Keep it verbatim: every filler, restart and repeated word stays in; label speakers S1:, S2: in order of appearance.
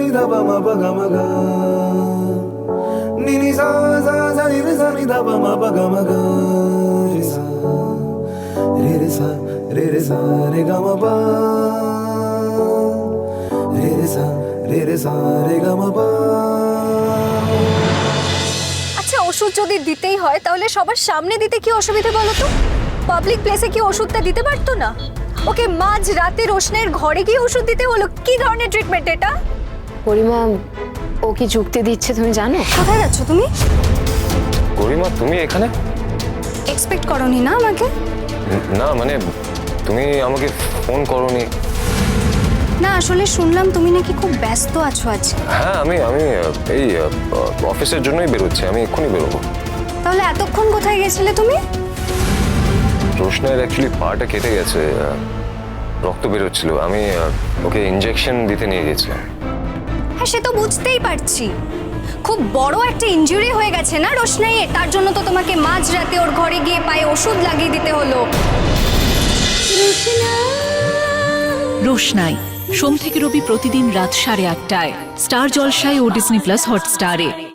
S1: धा पा मा पा गा मा गा नी नी सा सा सा नी रे सा नी धा पा मा पा गा मा गा रे सा रे रे सा रे रे सा रे गा मा पा रे रे सा রে রে সা রে গা মা পা।
S2: আচ্ছা ওষুধ যদি দিতেই হয় তাহলে সবার সামনে দিতে কি অসুবিধা বলো তো? পাবলিক প্লেসে কি ওষুধটা দিতে পারতো না? ওকে মাঝ রাতে রোশনের ঘরে গিয়ে ওষুধ দিতে হলো, কি ধরনের ট্রিটমেন্ট এটা?
S3: গরিমা ও কি যুক্তি দিচ্ছে তুমি জানো?
S2: কোথায় যাচ্ছ তুমি?
S4: গরিমা তুমি এখানে?
S2: এক্সপেক্ট করনি না আমাকে?
S4: না মানে তুমি আমাকে ফোন করনি।
S2: না আসলে শুনলাম তুমি নাকি খুব ব্যস্ত আছো আজ।
S4: হ্যাঁ আমি আমি এই অফিসের জন্যই বেরোচ্ছি, আমি এক্ষুনি বেরোবো।
S2: তাহলে এতক্ষণ কোথায় গেছিলে তুমি?
S4: রোশনের অ্যাকচুয়ালি পাটা কেটে গেছে, রক্ত বেরোচ্ছিল, আমি ওকে ইনজেকশন দিতে নিয়ে গেছিলাম।
S2: হ্যাঁ সে তো বুঝতেই পারছি, খুব বড় একটা ইনজুরি হয়ে গেছে না রোশনাইয়ের, তার জন্য তো তোমাকে মাঝ রাতে ওর ঘরে গিয়ে পায়ে ওষুধ লাগিয়ে দিতে হলো।
S5: রোশনাই সোম থেকে রবি প্রতিদিন রাত সাড়ে আটটায় স্টার জলসায় ও ডিজনি প্লাস হটস্টারে।